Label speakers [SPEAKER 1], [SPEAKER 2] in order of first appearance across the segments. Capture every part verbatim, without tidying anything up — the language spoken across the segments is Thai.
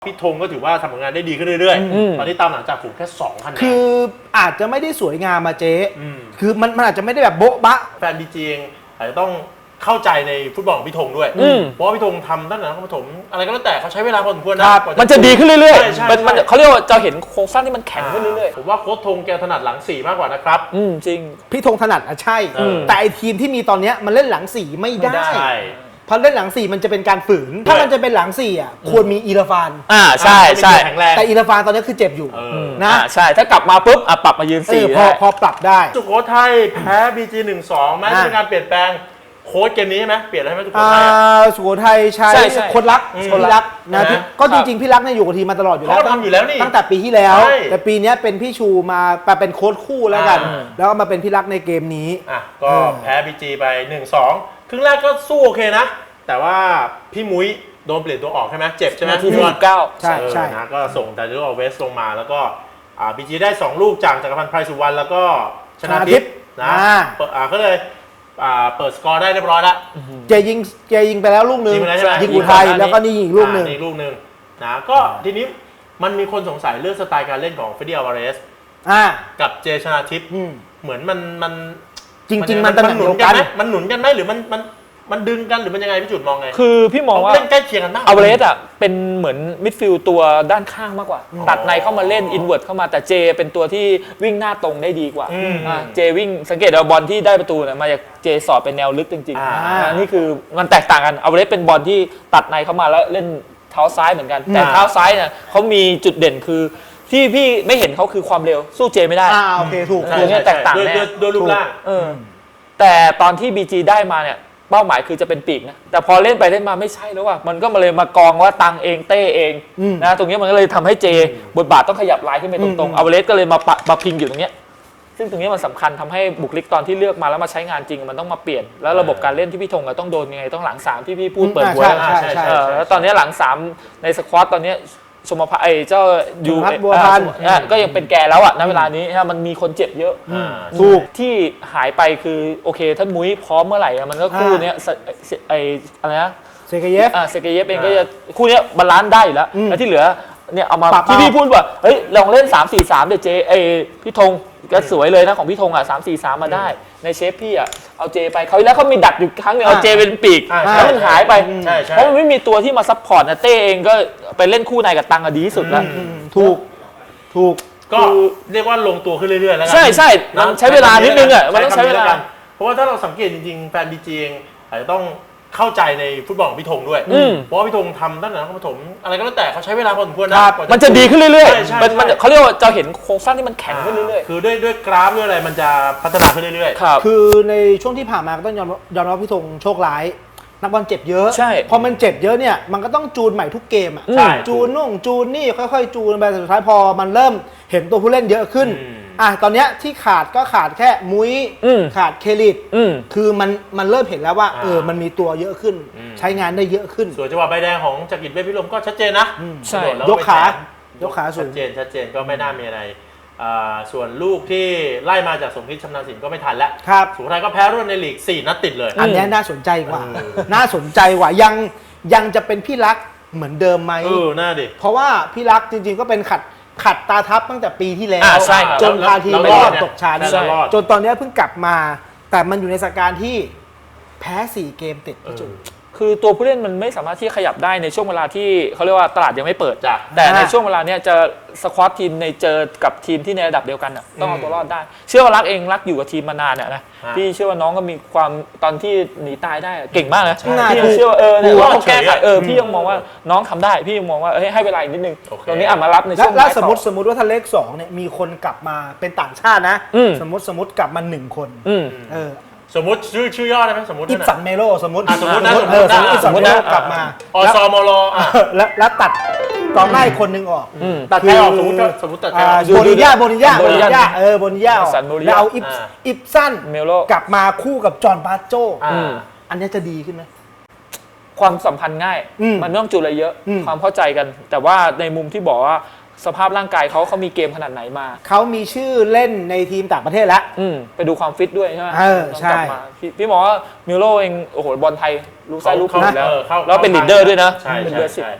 [SPEAKER 1] พี่ธงก็ถือว่าทำผลงานได้ดีขึ้นเรื่อยๆตอนนี้ตามหลังจากฝูงแค่สองคะแนน
[SPEAKER 2] คืออาจจะไม่ได้สวยงามมาเจ๊คือมันมันอาจจะไม่ได้แบบโบ๊ะบะ
[SPEAKER 1] แฟนบีจีเองอาจจะต้องเข้าใจในฟุตบอลของพี่ธงด้วยเพราะว่าพี่ธงทำตั้งแต่นักปฐมอะไรก็แล้วแต่เขาใช้เวลาพอสมควรนะ
[SPEAKER 3] มันจะดีขึ้นเรื่อยๆมันเขาเรียกว่าจะเห็นโครงสร้างที่มันแข็งขึ้นเรื่อย
[SPEAKER 1] ๆผมว่าโค้ชธงแกถนัดหลังสี่มากกว่านะครับ
[SPEAKER 3] อืมจริง
[SPEAKER 2] พี่ธงถนัดอ่ะใช่แต่ไอทีมที่มีตอนนี้มันเล่นหลังสี่ไม่ได้พอเล่นหลังสี่มันจะเป็นการฝืนถ้ามันจะเป็นหลังสี่อ่ะควรมีอีราฟาน
[SPEAKER 3] อ่าใช่ใช่
[SPEAKER 2] แต่อีราฟานตอนนี้คือเจ็บอยู่นะ
[SPEAKER 3] ใช่ถ้ากลับมาปุ๊บอ่ะปรับมายืนสี่
[SPEAKER 2] พอพอปรับได้
[SPEAKER 1] สุโขทัยแพ้บีจีหนึ่งสองแม้จะเป็นการเปลี่ยนแปลงโค้ชเกมนี้ใช่ไหมเปลี่ยนอะไรไหมสุโขทัย
[SPEAKER 2] สุโขทัยใช้คนรักคนรักนะก็จริงๆพี่รักเนี่ยอยู่กับทีมมาตลอดอยู่แล้ว
[SPEAKER 1] ทำอยู่แล้วนี่
[SPEAKER 2] ตั้งแต่ปีที่แล้วแต่ปีนี้เป็นพี่ชูมาเป็นโค้ชคู่แล้วกันแล้วก็มาเป็นพี่รักในเกมนี้
[SPEAKER 1] อ่ะก็แพ้บีจีไปหนึ่งสองครึ่งแรกก็สู้โอเคนะแต่ว่าพี่มุ้ยโดนเปลี่ยนตัวออกใช่ไหมเจ็บใช่ไหม
[SPEAKER 3] ที่สิบเก้า
[SPEAKER 2] ใช่ใช่
[SPEAKER 1] นะก็ส่งแต่ดูเอาเวสลงมาแล้วก็บีจีได้สองลูกจากจักรพันธ์ไพรสุวรรณแล้วก็ชนะทิพย์นะก็เลยเปิดสกอร์ได้เรียบร้อยแล้ว
[SPEAKER 2] เจยิงเจยิงไปแล้วลูกหนึ่งยิงอุทัยแล้วก็นี่อีกลูกหนึ่ง
[SPEAKER 1] อีกลูกหนึ่งนะก็ทีนี้มันมีคนสงสัยเรื่องสไตล์การเล่นของเฟเดียลวาเรสกับเจชนาทิพย์เหมือนมันมัน
[SPEAKER 2] จริงๆมัน
[SPEAKER 1] มันหนุนกันไหมมันหนุนกันไหมหรือมันมันมันดึงกันหรือมันยังไงพี่จุดมองไง
[SPEAKER 3] คือพี่มองว่า
[SPEAKER 1] เล่นใกล้เคียงกันมาก
[SPEAKER 3] อเวเรสอ่ะเป็นเหมือนมิดฟิลด์ตัวด้านข้างมากกว่าตัดในเข้ามาเล่นอินเวิร์ตเข้ามาแต่เจเป็นตัวที่วิ่งหน้าตรงได้ดีกว่าเจวิ่งสังเกตเอาบอลที่ได้ประตูเนี่ยมาจากเจสอดเป็นแนวลึกจริงๆนี่คือมันแตกต่างกันอเวเรสเป็นบอลที่ตัดในเข้ามาแล้วเล่นเท้าซ้ายเหมือนกันแต่เท้าซ้ายเนี่ยเขามีจุดเด่นคือที่พี่ไม่เห็นเขาคือความเร็วสู้เจไม่ได้
[SPEAKER 2] อ่าโอเคถูก
[SPEAKER 3] ตัวนี้แตกต่างแน่
[SPEAKER 1] ด้วยรูปร่าง
[SPEAKER 3] แต่ตอนที่ บี จี ได้มาเนี่ยเป้าหมายคือจะเป็นปีกนะแต่พอเล่นไปเล่นมาไม่ใช่แล้วว่ะมันก็มาเลยมากองว่าตังเองเต้เองนะตรงนี้มันก็เลยทำให้เจบทบาทต้องขยับลายขึ้นไปตรงๆอเวเรสก็เลยมาปะมาพิงอยู่ตรงนี้ซึ่งตรงนี้มันสำคัญทำให้บุคลิกตอนที่เลือกมาแล้วมาใช้งานจริงมันต้องมาเปลี่ยนแล้วระบบการเล่นที่พี่ธงต้องโดนยังไงต้องหลังสามที่พี่พูดเปิดหัวแล้วตอนนี้หลังสามในสควอตตอนนี้ชมพไอเจ้ายู
[SPEAKER 2] บัวพัน
[SPEAKER 3] ก็ยังเป็นแกแล้วอะณเวลานี้มันมีคนเจ็บเยอะ
[SPEAKER 2] ถูก
[SPEAKER 3] ที่หายไปคือโอเคท่านมุ้ยพร้อมเมื่อไหร่มันก็คู่นี้ไออะไรนะ
[SPEAKER 2] เซเกเยฟ
[SPEAKER 3] เซเกเยฟเองก็จะคู่นี้บาลานซ์ได้อยู่แล้วแล้วที่เหลือเนี่ยเอามาที่พี่พูดว่าเฮ้ยลองเล่นสาม สี่ สามเดี๋ยวเจไอพี่ธงก็สวยเลยนะของพี่ธงอ่ะสาม สี่ สามมาได้ในเชฟพี่อ่ะเอาเจไปเขาแล้วเขามีดักอยู่ครั้งนึงเอาเจเป็นปีกแล้วมันหายไปเพราะมันไม่มีตัวที่มาซัพพอร์ตนะเต้เองก็ไปเล่นคู่ในกับตังดีที่สุดแล้ว
[SPEAKER 2] ถูกถูก
[SPEAKER 1] ก็เรียกว่าลงตัวขึ้นเรื่อยๆแล้วกัน
[SPEAKER 3] ใช่ใช่มันใช้เวลานิดนึงอ่ะมันต้องใช้เวลา
[SPEAKER 1] เพราะว่าถ้าเราสังเกตจริงๆแฟนบีจีเองอาจจะต้องเข้าใจในฟุตบอลของพี่ธงด้วยเพราะว่าพี่ธงทำตั้งแต่นักปฐมอะไรก็แล้วแต่เขาใช้เวลาพอสมควรนะ
[SPEAKER 3] มันจะดีขึ้นเรื่อยๆมันเขาเรียกว่าจะเห็นโครงสร้างที่มันแข็งขึ้นเรื่อย
[SPEAKER 1] ๆคือด้วยด้วยกราฟด้วยอะไรมันจะพัฒนาขึ้นเรื่อย
[SPEAKER 2] ๆคือในช่วงที่ผ่านมาก็ต้องยอมยอมรับพี่ธงโชคร้ายนักบอลเจ็บเยอะพอมันเจ็บเยอะเนี่ยมันก็ต้องจูนใหม่ทุกเกมอ่ะจูนนู่นจูนนี่ค่อยๆจูนไปสุดท้ายพอมันเริ่มเห็นตัวผู้เล่นเยอะขึ้นอ่ะตอนเนี้ยที่ขาดก็ขาดแค่มุ้ยขาดเคลิดคือมันมันเริ่มเห็นแล้วว่าเออมันมีตัวเยอะขึ้นใช้งานได้เยอะขึ้น
[SPEAKER 1] ส่วนจังหวะใบแดงของจักริดเวชพิรมก็ชัดเจนนะ
[SPEAKER 2] ใช่ยกขายกขาสูง
[SPEAKER 1] ชัดเจนชัดเจนก็ไม่น่ามีอะไรส่วนลูกที่ไล่มาจากสมคิดชำนาญศิลป์ก็ไม่ทันแล้วสุโขทัยก็แพ้รวดในลีกสี่นัดติดเลย
[SPEAKER 2] อันนี้น่าสนใจกว่าน่าสนใจกว่ายังยังจะเป็นพี่รักเหมือนเดิมไหม
[SPEAKER 1] เออน่าดิ
[SPEAKER 2] เพราะว่าพี่รักจริงๆก็เป็นขัดขัดตาทับตั้งแต่ปีที่แล้วจนพาทีมรอดตกชั้นจนตอนนี้เพิ่งกลับมาแต่มันอยู่ในสถานการณ์ที่แพ้สี่เกมติดจุด
[SPEAKER 3] คือตัวผู้เล่นมันไม่สามารถที่ขยับได้ในช่วงเวลาที่เขาเรียกว่าตลาดยังไม่เปิดแต่ในช่วงเวลาเนี้ยจะสควอตทีมในเจอกับทีมที่ในระดับเดียวกันต้องเอาตัวรอดได้เชื่อว่ารักเองรักอยู่กับทีมมานานเนี่ยนะพี่เชื่อว่าน้องก็มีความตอนที่หนีตายได้เก่งมากนะพี่ยังเชื่อว่าเออเนี่ยว่าแก้ไขเออพี่ยังมองว่าน้องทำได้พี่ยังมองว่าให้เวลาอีกนิดนึงตรงนี้อ่ะมารับในช่วง
[SPEAKER 2] แล้วสมมติสมมติว่าถ้าเลขสองเนี่ยมีคนกลับมาเป็นต่างชาตินะสมมติสมมติกลับมาหนึ่งคนเออ
[SPEAKER 1] สมมติชื่อชื่อย่อได้ไหมสมมติ
[SPEAKER 2] อิปสันเมโลสมมติ
[SPEAKER 1] สมมตินะ
[SPEAKER 2] สมมติอิปสันเมโลกลับมา
[SPEAKER 1] อสมล
[SPEAKER 2] แล้วแล้วตัดกองหน้าคนหนึ่งออก
[SPEAKER 1] ตัดใครออกสมมติสมมติตัดใครออก
[SPEAKER 2] โบนิญ่าโบนิญ่าโบนิญ่าเออโบนิญ่าแล้วเอาอิปอิปสัน
[SPEAKER 3] เมโล
[SPEAKER 2] กลับมาคู่กับจอห์นบาโจอันนี้จะดีขึ้นไหม
[SPEAKER 3] ความสัมพันธ์ง่ายมันไม่ต้องจูนอะไรเยอะความเข้าใจกันแต่ว่าในมุมที่บอกว่าสภาพร่างกายเขาเขามีเกมขนาดไหนมา
[SPEAKER 2] เขามีชื่อเล่นในทีมต่างประเทศแล้ว
[SPEAKER 3] ไปดูความฟิตด้วยใช่ไหม
[SPEAKER 2] เออใช่
[SPEAKER 3] พี่พี่มองว่ามิโลเองโอ้โหบอลไทยรู้ไส้รู้ขวาแล้วแล้วเป็นลีดเดอร์ด้วยนะ
[SPEAKER 1] ใช่
[SPEAKER 3] เป็น
[SPEAKER 1] เบอร์สิบ
[SPEAKER 3] อ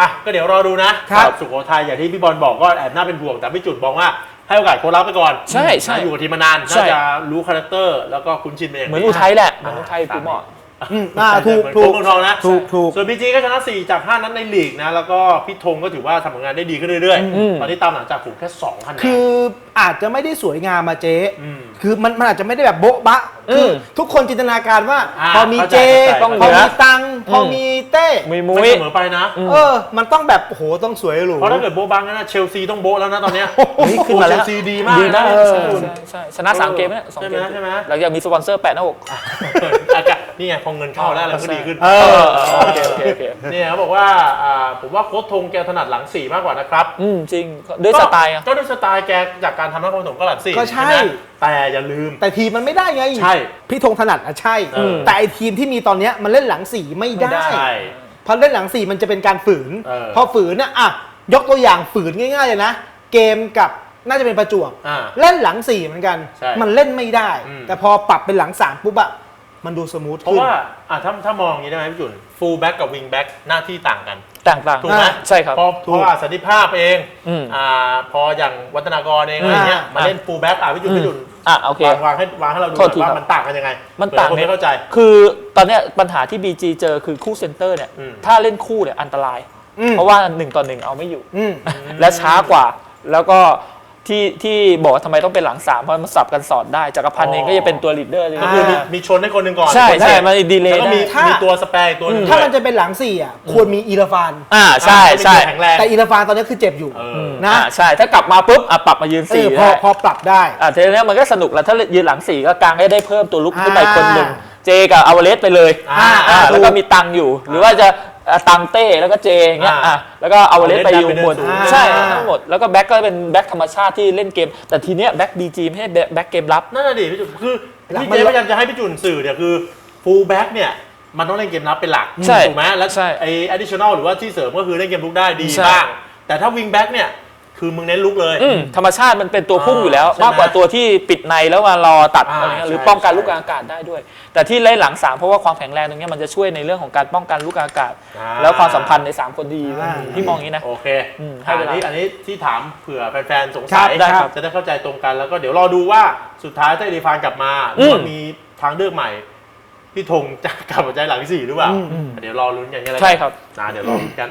[SPEAKER 1] อ่ะก็เดี๋ยวรอดูนะครับ สุโขทัยอย่างที่พี่บอลบอกก็แอบน่าเป็นห่วงแต่พี่จุดบอกว่าให้โอกาสโค้ชรับไปก่อน
[SPEAKER 3] ใช่ใช่
[SPEAKER 1] อยู่กับทีมมานาน
[SPEAKER 3] ใช่
[SPEAKER 1] น่าจะรู้คาแรคเตอร์แล้วก็คุ้นชินเป็นอย่าง
[SPEAKER 3] เหมื
[SPEAKER 1] ดี
[SPEAKER 3] อนอุทัยแหละเหมือนอุทัยปูหมอ
[SPEAKER 2] อืมอ่าถูก
[SPEAKER 1] เหมือน
[SPEAKER 2] ถูก
[SPEAKER 1] โค้ชเมืองทองนะ
[SPEAKER 2] ถูกถูก
[SPEAKER 1] ส่วนบีจีก็ชนะสี่จากห้านัดในลีกนะแล้วก็พี่ธงก็ถือว่าทำผลงานได้ดีขึ้นเรื่อย
[SPEAKER 3] อืม
[SPEAKER 1] ๆตอนนี้ตามหลังจากผมแค่สองคะแนน
[SPEAKER 2] คืออาจจะไม่ได้สวยงามมาเจ๊
[SPEAKER 1] ม
[SPEAKER 2] คือมันมันอาจจะไม่ได้แบบโบ๊ะบะ
[SPEAKER 3] อืม
[SPEAKER 2] คือทุกคนจินตนาการว่า
[SPEAKER 1] อ่า
[SPEAKER 2] พอมีเจ
[SPEAKER 1] เข้าใจ
[SPEAKER 2] พอ
[SPEAKER 3] เข้าใจ
[SPEAKER 2] มีตังค์พออ
[SPEAKER 3] ม
[SPEAKER 2] มีเต้
[SPEAKER 3] มีมุ้
[SPEAKER 1] ไม่
[SPEAKER 3] ย
[SPEAKER 1] เสมอไปนะ
[SPEAKER 2] เออ มันต้องแบบโอ้โหต้องสวยหรู
[SPEAKER 1] เพราะถ้าเกิดโบ๊ะบังนะเชลซีต้องโบ๊ะแล้วนะตอนเนี้ย
[SPEAKER 3] เฮ้ยขึ้นมาแล้ว
[SPEAKER 1] เชลซีดีมาก
[SPEAKER 3] ดีนะ
[SPEAKER 1] นะ
[SPEAKER 3] ใช่
[SPEAKER 1] คุณ
[SPEAKER 3] ใช่ใช่ชนะสามเกมแล้วสองเกม
[SPEAKER 1] ใช่ไหมใช่ไหม
[SPEAKER 3] หลังจากมีสปอนเซอร์แปะหน้าอก
[SPEAKER 1] อากาศนี่ไงพอเงินเข้าแล้วอะไรก็ดีขึ้น
[SPEAKER 2] เอ
[SPEAKER 3] เอ
[SPEAKER 2] อ
[SPEAKER 3] อโอเคโอเคโอเค
[SPEAKER 1] เนี่ยเขาบอกว่าอ่าผมว่าโค้ชธงแกถนัดหลังสี่มากกว่านะครับ
[SPEAKER 3] อืมจริงด้วยสไตล์อ่ะ
[SPEAKER 1] ก็ด้วยสไตล์แกจากการทำนักบอลถมก็หลังสี่
[SPEAKER 2] ก็ใช่
[SPEAKER 1] ไหมแต่อย่าลืม
[SPEAKER 2] แต่ทีมมันไม่ได้ไง
[SPEAKER 1] ใช่
[SPEAKER 2] พี่ธงถนัดอะใช่
[SPEAKER 1] เออ
[SPEAKER 2] แต่ไอทีมที่มีตอนเนี้ยมันเล่นหลังสี่ไม่ได้
[SPEAKER 1] ใช่
[SPEAKER 2] เพราะเล่นหลังสี่มันจะเป็นการฝืน
[SPEAKER 1] เออ
[SPEAKER 2] พอฝืนน่ะอ่ะยกตัวอย่างฝืนง่ายๆเลยนะ เกมกับน่าจะเป็นประจวบ
[SPEAKER 1] อ่า
[SPEAKER 2] เล่นหลังสี่เหมือนกัน
[SPEAKER 1] ใช่
[SPEAKER 2] มันเล่นไม่ได้
[SPEAKER 1] อืม
[SPEAKER 2] แต่พอปรับเป็นหลังสามปุ๊บอะมันดูสมูท
[SPEAKER 1] เพราะ
[SPEAKER 2] ขึ้น
[SPEAKER 1] ว่าอ่ะถ้าถ้ามองอย่างนี้ได้ไหมพี่จุนฟูลแบ็กกับวิงแบ็กหน้าที่ต่างกัน
[SPEAKER 3] ต่างๆ
[SPEAKER 1] ถูกไหม
[SPEAKER 2] อ่า
[SPEAKER 3] ใช่ครับ
[SPEAKER 1] พอ
[SPEAKER 2] ถู
[SPEAKER 1] พ
[SPEAKER 2] ก
[SPEAKER 1] ออาสันติภาพเอง
[SPEAKER 3] อืม
[SPEAKER 1] อ่าพออย่างวัฒนากรเองอะไรเงี้ย
[SPEAKER 2] อ่า
[SPEAKER 1] มาเล่นฟูลแบ็กอ่ะพี่จุนพี่จุน
[SPEAKER 3] อ่ะโอเค
[SPEAKER 1] วางวางให้วางให้เราดู
[SPEAKER 3] โทษที
[SPEAKER 1] ว่า
[SPEAKER 3] ครับ
[SPEAKER 1] มันต่างกันยังไง
[SPEAKER 3] มันต่าง
[SPEAKER 1] เผื่อคนไม่เข้าใจ
[SPEAKER 3] คือตอนเนี้ยปัญหาที่ บี จี เจอคือคู่เซนเตอร์เนี่ย
[SPEAKER 1] อืม
[SPEAKER 3] ถ้าเล่นคู่เนี่ยอันตราย
[SPEAKER 2] อืม
[SPEAKER 3] เพราะว่าหนึ่งต่อหนึ่งเอาไม่อยู่
[SPEAKER 2] อืม
[SPEAKER 3] และช้ากว่า แล้วก็ที่ที่บอกว่าทำไมต้องเป็นหลังสามเพราะมันสับกันสอดได้จักรพันธ์เองก็จะเป็นตัวลีดเดอร์เลย
[SPEAKER 1] ก็คือมีมีชนให้คนหนึ่งก่อน
[SPEAKER 3] ใช่
[SPEAKER 1] คน
[SPEAKER 3] ใช่
[SPEAKER 1] เสร็จ
[SPEAKER 3] มันดีเล
[SPEAKER 1] แล้ว
[SPEAKER 3] ย์
[SPEAKER 1] ก็
[SPEAKER 3] ได้
[SPEAKER 1] มี
[SPEAKER 2] ถ้ามี
[SPEAKER 1] มีตัวสแปร์อีกตัวหนึง
[SPEAKER 2] ถ้า
[SPEAKER 1] ด้วย
[SPEAKER 2] มันจะเป็นหลังสี่อ่ะควรมีอีราฟาน
[SPEAKER 3] อ่าใช่ใช่
[SPEAKER 1] แข็งแรง
[SPEAKER 2] แต่อีราฟานตอนนี้คือเจ็บอยู่
[SPEAKER 1] เออ
[SPEAKER 2] นะ
[SPEAKER 3] อ่าใช่ถ้ากลับมาปุ๊บอ่ะปรับมายืน
[SPEAKER 2] เอ
[SPEAKER 3] สี่
[SPEAKER 2] อพอ
[SPEAKER 3] ได้
[SPEAKER 2] พอปรับได้
[SPEAKER 3] อ่ะทีนี้มันก็สนุกแล้วถ้ายืนหลังสี่ก็กางให้ได้เพิ่มตัวลุก
[SPEAKER 2] อ่า
[SPEAKER 3] ขึ้นไปคนหนึ่งเจกับอาวาเลสไปเลย
[SPEAKER 1] อ่า
[SPEAKER 3] อ่า
[SPEAKER 2] ถูก
[SPEAKER 3] แล้วก็มีตังอยู่ หรือว่าจะอ่ะตังเต้แล้วก็เจอย่างเงี้ย
[SPEAKER 1] อ่า
[SPEAKER 3] อ่ะแล้วก็อาวาเลสไปอยู่บน
[SPEAKER 1] อ่า
[SPEAKER 3] ใช่ทั้งหมดแล้วก็แบ็กก็เป็นแบ็กธรรมชาติที่เล่นเกม แต่ทีเนี้ยแบ็กบีจีไม่ใช่แบ็กเกมรับ
[SPEAKER 1] นั่นแหะดิพี่จุนคือ
[SPEAKER 2] หลัง
[SPEAKER 1] พี่
[SPEAKER 2] มัน
[SPEAKER 1] เจพยายามจะให้พี่จุนสื่อเนี่ยคือฟูลแบ็กเนี่ยมันต้องเล่นเกมรับเป็นหลัก
[SPEAKER 3] ใช่
[SPEAKER 1] ถูกไหมแล้ว
[SPEAKER 3] ใช่
[SPEAKER 1] ไอ้ additional หรือว่าที่เสริมก็คือเล่นเกมลุกได้ดี
[SPEAKER 3] ใช่
[SPEAKER 1] บ้างแต่ถ้าวิงแบ็กเนี่ยคือมึงเน้นลุกเลย
[SPEAKER 3] อืมธรรมชาติมันเป็นตัวพุ่งอยู่แล้ว
[SPEAKER 1] ใช่ไหม
[SPEAKER 3] มากกว่าตัวที่ปิดในแล้วมารอตัด
[SPEAKER 1] อ่า
[SPEAKER 3] อะไรเงี้ยหรือ
[SPEAKER 1] ใช่
[SPEAKER 3] ป้องกัน
[SPEAKER 1] ใช่
[SPEAKER 3] ลูกกลางอากาศได้ด้วย แต่ที่เล่นหลังสามเพราะว่าความแข็งแรงตรงเนี้ยมันจะช่วยในเรื่องของการป้องกันลูกกลางอากาศ
[SPEAKER 1] อ่า
[SPEAKER 3] แล้วความสัมพันธ์ในสามคนดี
[SPEAKER 2] อ่า
[SPEAKER 3] ที่มองอย่างนี้นะ
[SPEAKER 1] โอเค
[SPEAKER 3] อืมให้
[SPEAKER 1] อั
[SPEAKER 3] เวนลา
[SPEAKER 1] นี้อันนี้ที่ถามเผื่อแฟนๆสง
[SPEAKER 2] ครั
[SPEAKER 1] สั
[SPEAKER 2] บ
[SPEAKER 1] ย
[SPEAKER 3] ได้ครับ
[SPEAKER 1] จะได้เข้าใจตรงกันแล้วก็เดี๋ยวรอดูว่าสุดท้ายถ้าอีริฟานกลับมาห
[SPEAKER 3] อื
[SPEAKER 1] รือ
[SPEAKER 3] ม
[SPEAKER 1] ว่ามีทางเลือกใหม่พี่ธงจะกลับมาใจหลังสี่หรือเปล่า
[SPEAKER 2] อืม
[SPEAKER 1] เดี๋ยวรอลุ้นกันกันแล้วกัน
[SPEAKER 3] ใช่ครับ
[SPEAKER 1] นะเดี๋ยวรอลุ้นกัน